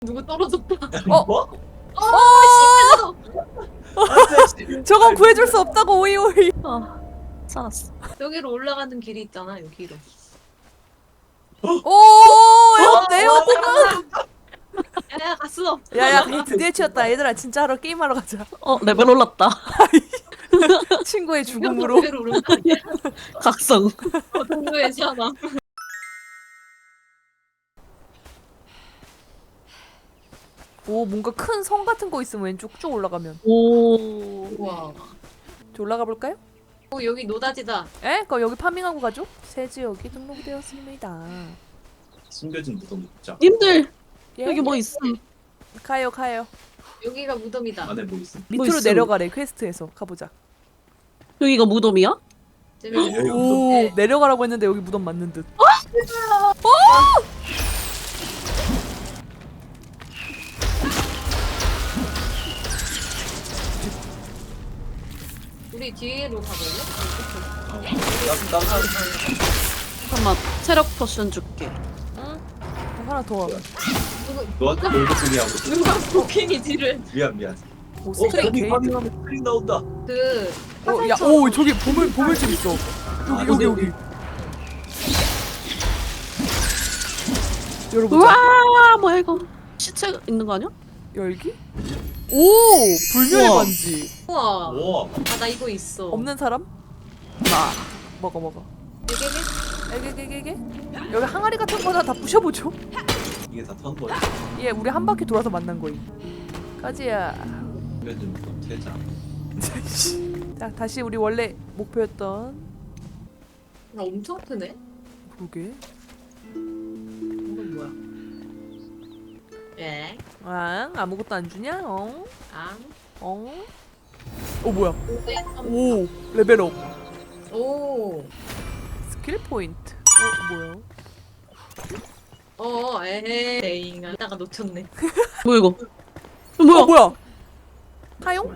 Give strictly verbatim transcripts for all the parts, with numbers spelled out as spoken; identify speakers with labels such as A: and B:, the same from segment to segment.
A: 누구 떨어졌다.
B: 어?
C: 뭐?
A: 어,
C: 안돼.
B: 저건 구해줄 수 없다고 오이오이.
D: 아, 살았어.
A: 여기로 올라가는 길이 있잖아, 여기로.
B: 오, 야, 내요.
A: 야, 갔어.
B: 야야, 드디어 치웠다. 얘들아, 진짜 하러 게임하러 가자.
D: 어, 레벨 올랐다.
B: 친구의 죽음으로.
A: 여기로 오른 거 아니야?
D: 각성.
A: 어, 동료의 사망.
B: 오, 뭔가 큰 성 같은 거 있으면 왼쪽 쭉 올라가면.
D: 오.
A: 우와.
B: 저 올라가 볼까요?
A: 어, 여기 노다지다.
B: 에? 그럼 여기 파밍하고 가죠? 새 지역이 등록되었습니다.
C: 숨겨진 무덤 있자.
D: 님들
B: 예?
D: 여기 뭐 있음?
B: 가요, 가요.
A: 여기가 무덤이다.
C: 안에 뭐 있음?
D: 뭐
B: 밑으로
D: 있음?
B: 내려가래, 퀘스트에서. 가보자.
D: 여기가 무덤이야?
A: 재밌네.
C: 여기
B: 오,
A: 네.
B: 내려가라고 했는데 여기 무덤 맞는 듯.
A: 우리 뒤로 가볼래?
C: 나, 나,
D: 잠깐만, 체력 포션 줄게.
B: 응? 하나 더 와.
A: 누구,
C: 너한테 놀고 소리하고.
A: 누가 도킹이지를.
C: 미안 미안.
B: 오,
C: 어,
B: 스트레이
C: 거기
B: 게이트.
C: 파밍하면 스크린 나온다.
A: 그,
B: 어, 야, 오, 저기 보물, 보물집 있어.
C: 아,
B: 여기, 여기,
C: 여기.
B: 여기. 열어보자.
D: 우와, 뭐야 이거? 시체 있는 거 아니야?
B: 열기? 오! 불멸의
D: 우와.
B: 반지.
A: 우와.
C: 우와.
A: 아, 나 이거 있어.
B: 없는 사람?
D: 나.
B: 먹어, 먹어.
A: 되게
B: 에게게게게. 여기 항아리 같은 거나 다 부셔보죠.
C: 이게 다 타는 거야.
B: 예, 우리 한 바퀴 돌아서 만난 거임. 까지야.
C: 숨겨진 무덤 퇴장.
B: 자, 다시 우리 원래 목표였던.
A: 나 엄청 크네.
B: 그러게.
A: 이건 뭐야? 예.
B: 아, 아무것도 안 주냐? 어?
A: 아.
B: 어? 어, 뭐야?
A: 오.
B: 오, 레벨업.
A: 오.
B: 스킬 포인트. 어, 뭐야?
A: 어, 에헤이. 이따가 놓쳤네.
D: 뭐야 이거? 이거 뭐야?
B: 어, 뭐야? 하용?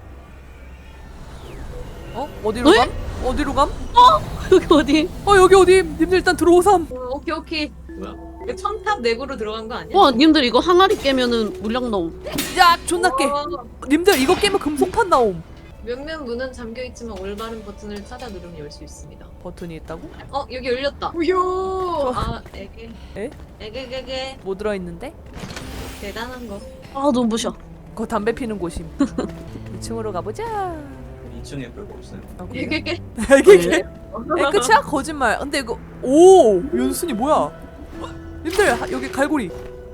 B: 어? 어디로
D: 에?
B: 감? 어디로 감?
D: 여기 어디?
B: 어, 여기 어디? 님들 일단 들어오삼.
A: 어, 오케이, 오케이.
C: 뭐야?
A: 이거 첨탑 내구로 들어간 거 아니야?
D: 와, 님들 이거 항아리 깨면은 물량 나옴.
B: 야, 존나 깨.
A: 어,
B: 님들 이거 깨면 금속판 나옴.
A: 몇몇 문은 잠겨 있지만 올바른 버튼을 찾아 누르면 열 수 있습니다.
B: 버튼이 있다고?
A: 어, 여기 열렸다. 우효. 아, 에게.
B: 에?
A: 에게게게.
B: 뭐 들어있는데?
A: 대단한 거.
D: 아, 너무 부셔.
B: 그거 담배 피는 곳임. 이 층으로 가보자.
C: 이 층에 별거 없어요.
B: 아, 그래요?
A: 에게게.
B: 이게 에, 끝이야? 거짓말. 근데 이거 오, 연순이 뭐야? 님들 하- 여기 갈고리.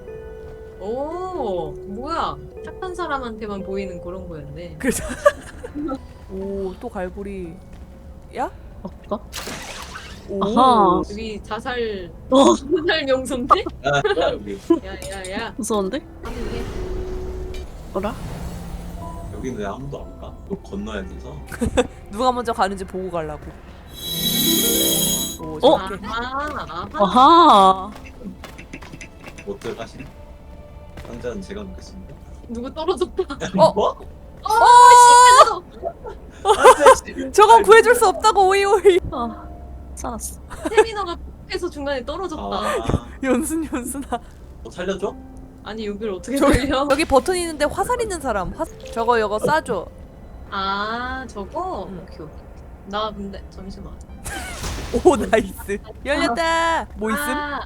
A: 오, 뭐야? 착한 사람한테만 보이는 그런 거였네.
B: 그래서 오, 또 갈고리. 야?
D: 아까?
B: 오.
D: 아하.
A: 여기 자살
D: 어,
A: 자살 명소인데?
C: 아, 야, 여기.
A: 야야야.
D: 무서운데?
A: 하는게
D: 뭐라?
C: 여기는 왜 아무도 안 가? 너 건너야 돼서.
B: 누가 먼저 가는지 보고 가려고. 오,
D: 어?
B: 저렇게.
A: 아하. 아하.
D: 아하.
C: 못 들어가시네. 상자는 제가 놓겠습니다.
A: 누구 떨어졌다.
B: 어?
C: 뭐?
A: 어,
C: 안돼.
B: 저건 구해줄 수 없다고 오이오이.
D: 아, 살았어.
A: 세미너가 해서 중간에 떨어졌다.
C: 아,
B: 연순 연순아.
C: 뭐 살려줘?
A: 아니 여기를 어떻게
B: 저기
A: 돌려?
B: 여기 버튼 있는데 화살 있는 사람. 화... 저거 이거 싸줘.
A: 아 저거?
B: 응.
A: 오케이 오케이. 나 근데 잠시만.
B: 오, 나이스. 열렸다. 뭐 있음?
A: 아.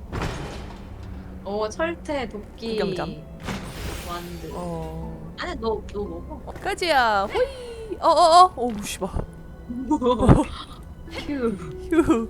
A: 어 철퇴 도끼.
B: 구경점.
A: 완드.
B: 어.
A: 아니 너너 먹어.
B: 까지야. 호이. 어어어. 오, 씨발.
A: 휴.
B: 휴.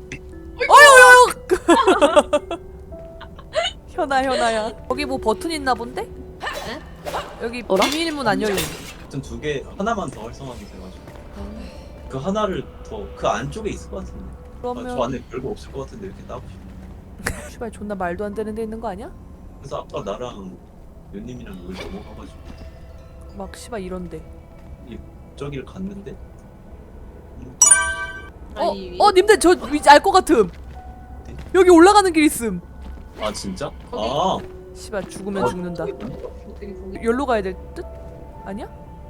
B: 어여여. 현아 현아야. 여기 뭐 버튼 있나 본데? 여기
D: 어라?
B: 비밀문 안 열림.
C: 하여튼 두 개, 하나만 더 활성화하면 돼가지고. 그 하나를 더 그 안쪽에 있을 것 같은데. 아, 저
B: 그러면
C: 안에 별거 없을 것 같은데 이렇게 따고 싶어.
B: 씨발 존나 말도 안 되는 데 있는 거 아니야?
C: 그래서 아까 나랑 연님이랑 여기 넘어가가지고
B: 막 씨발 이런데.
C: 저기를 갔는데 음,
B: 어,
A: 아니,
B: 어, 님들 저 위치 알 것 같음. 여기 올라가는 길 있음.
C: 아 진짜?
A: 거기-
C: 아
B: 씨발 죽으면
C: 어,
B: 죽는다.
A: 어떻게 거기
B: 여기로 가야 될 듯? 아니야?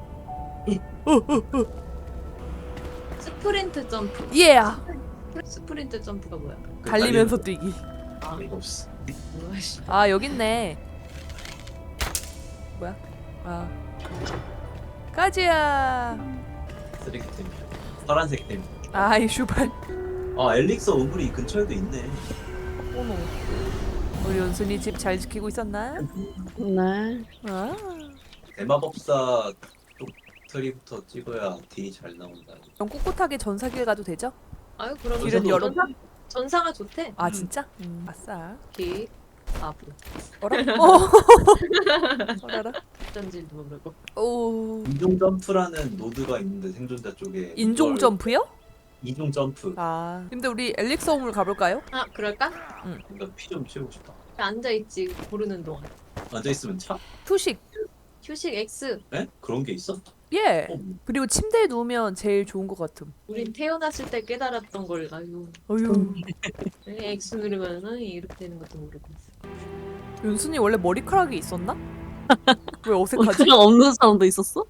A: 스프린트 점프.
B: 예.
A: 스프린트 점프가 뭐야?
C: 그
B: 달리면서 뛰기.
C: 달리는 거 없어.
A: 뭐야 씨.
B: 아, 여기 있네. 뭐야? 아 까지야.
C: 쓰레기템. 파란색 템.
B: 아이 슈발.
C: 아 엘릭서 우물이 이 근처에도 있네.
B: 어머. 우리 연순이 집 잘 지키고 있었나?
D: 네.
B: 아.
C: 대마법사 쪽 트리부터 찍어야 딜이 잘 나온다.
B: 그럼 꿋꿋하게 전사길 가도 되죠?
A: 아유 그럼
B: 길은 여러
A: 전사, 전사가 좋대.
B: 아 진짜? 음, 아싸.
A: 길 바보.
B: 어라? 어. 어라라.
A: 어쩐지도 모르고.
B: 오.
C: 인종 점프라는 노드가 있는데 생존자 쪽에
B: 인종
C: 이걸-
B: 점프요?
C: 인종 점프.
B: 아. 근데 우리 엘릭서 우물 가볼까요?
A: 아 그럴까?
C: 그러니까 피 좀 채우고 싶다.
A: 앉아 있지 고르는 동안.
C: 앉아 있으면 차?
B: 투식.
A: 휴식 X.
C: 에? 그런 게 있어?
B: 예.
C: 어,
B: 그리고 침대에 누우면 제일 좋은 것 같음.
A: 우린 태어났을 때 깨달았던 걸 아유.
B: 어휴.
A: 왜 X 누르면은 이렇게 되는 것도 모르고 있어.
B: 윤순이 원래 머리카락이 있었나? 왜 어색하지?
D: 그냥 없는 사람도 있었어?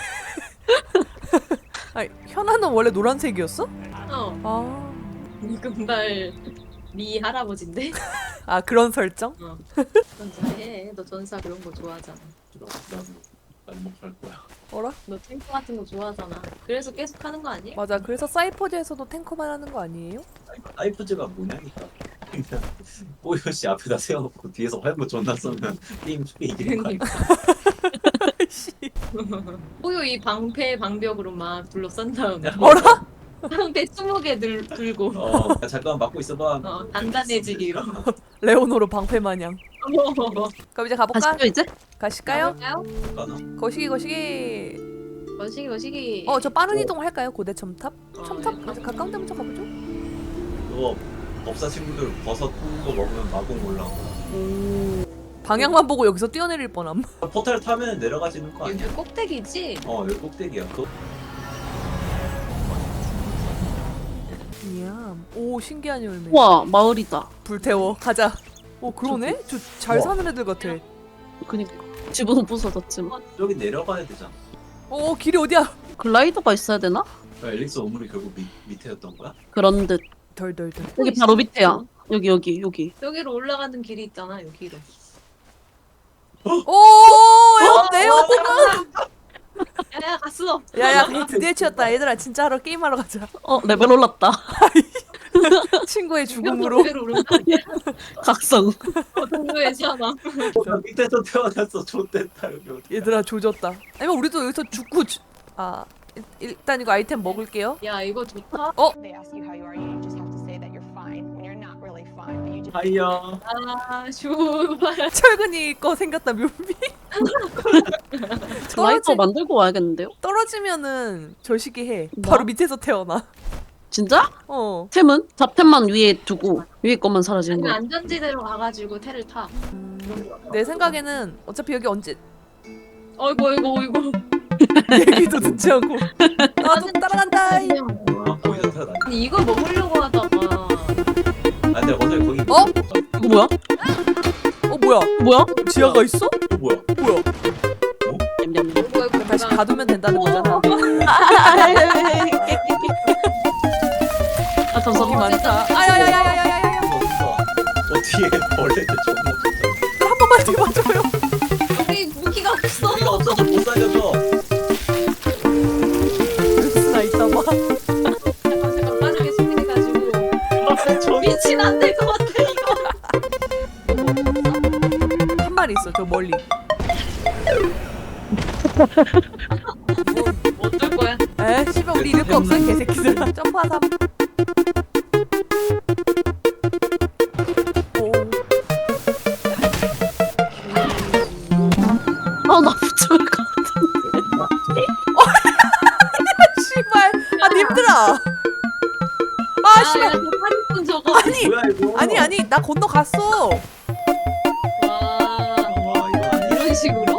B: 아니, 현아는 원래 노란색이었어?
A: 어.
B: 아.
A: 이 금발 미 할아버지인데.
B: 아 그런 설정?
A: 어. 전사해. 너 전사 그런 거 좋아하잖아.
C: 싫어. 나도 안목할 거야.
B: 어라?
A: 너 탱크 같은 거 좋아하잖아. 그래서 계속 하는 거 아니야?
B: 맞아. 그래서 사이퍼즈에서도 탱커만 하는 거 아니에요?
C: 사이프즈가 뭐냐니까. 그냥 뽀요씨 앞에다 세워놓고 뒤에서 활보 존나 쏘면 게임 쉽게 이기는 거야.
B: 씨.
A: 호요 이 방패 방벽으로 막 둘러싼 다음에
B: 어라?
A: 방패 스무 개 들, 들고
C: 어, 잠깐 막고 있어봐.
A: 어, 단단해지기로.
B: 레오노로 방패 마냥. 그럼 이제 가볼까?
D: 가시죠 이제?
B: 가실까요?
A: 가요?
C: 가나?
B: 거시기 거시기.
A: 거시기 거시기.
B: 어 저 빠른 이동 할까요? 고대 첨탑?
A: 어,
B: 첨탑?
A: 네.
B: 아주 가까운 데부터 가보죠.
C: 그거 법사 친구들 버섯 구운 거 먹으면 마공 올라가.
B: 방향만 보고 여기서 뛰어내릴 뻔함.
C: 포탈 타면 내려가지는 거
A: 여기
C: 아니야?
A: 꼭대기지?
C: 어 여기 꼭대기야. 그거
B: 이야. 오 신기한 열매.
D: 우와 마을이다.
B: 불태워. 가자. 오 그러네? 저 잘
C: 우와.
B: 사는 애들 같아.
D: 그니까 집은 부서졌지만
C: 저기 내려가야 되잖아.
B: 오 길이 어디야?
D: 글라이더가 있어야 되나?
C: 엘릭스 오물이 결국 밑, 밑에였던 거야?
D: 그런 듯.
B: 덜덜덜.
D: 여기 바로 밑에야. 여기 여기 여기.
A: 여기로 올라가는 길이 있잖아 여기로.
B: 오 에어
A: 야야 갔어.
B: 야야 드디어 치웠다. 얘들아 진짜 하러 게임하러 가자.
D: 어 레벨 올랐다.
B: 친구의 죽음으로.
A: 여기로 오른 거 아니야?
D: 각성.
A: 어, 동료애잖아.
C: 어, 나 밑에서 태어났어. 좆됐다 여기 어디?
B: 얘들아 조졌다. 아니면 우리도 여기서 죽고 주... 아 일, 일단 이거 아이템 먹을게요.
A: 야 이거 좋다.
E: They ask you how you are, you just have to say that you're fine when you're not really fine. But you just
C: 하이야.
A: 아 슈발.
B: 철근이 거 생겼다 묘미.
D: 글라이더 만들고 와야겠는데요?
B: 떨어지면은 저시기 해.
D: 뭐?
B: 바로 밑에서 태어나.
D: 진짜?
B: 어.
D: 템은? 잡템만 위에 두고 위에 것만 사라지는
A: 아니면
D: 거야.
A: 안전지대로 가가지고 테를 타.
B: 내 생각에는 어차피 여기 언제
A: 어이구 어이구 어이구.
B: 얘기도 듣지 않고 나도 따라간다. 이.
C: 아 거기서 태어났.
A: 아니 이거 먹으려고 하다가
C: 아 근데 어제 거기.
B: 어?
D: 이거 뭐야?
B: 어 뭐야?
D: 뭐야?
B: 지하가 있어?
C: 어, 뭐야?
B: 뭐야?
D: 냠냠냠.
A: 어이구 어이구
B: 다시
A: 내가-
B: 가두면 된다는 거잖아.
D: 아
B: 겁이
D: 감사합니다.
B: 많다. 아야야야야야야야.
C: 어디서? 어 뒤에 벌레들 존나 좋다.
B: 한 번만 더 맞아요.
A: 여기 무기가 없어.
C: 우리가 없어서 못 살려줘.
B: 나 있다 봐.
A: 잠깐 잠깐 빠르게 수비해가지고
C: 저
A: 미친 안 될 것 같아 이거.
B: 한 마리 있어 저 멀리.
A: 뭐 어쩔 거야?
B: 에 씨발 우리 이럴 거 없어 개새끼들. 점프하삼. 오.
D: 아나 붙을 것
B: 씨발. 아 님들아. 아 씨발.
A: 팔 분 저거.
B: 아니
C: 뭐야 이거?
B: 아니 아니 나 건너갔어.
A: 와
C: 와 이거 아니야.
A: 이런 식으로.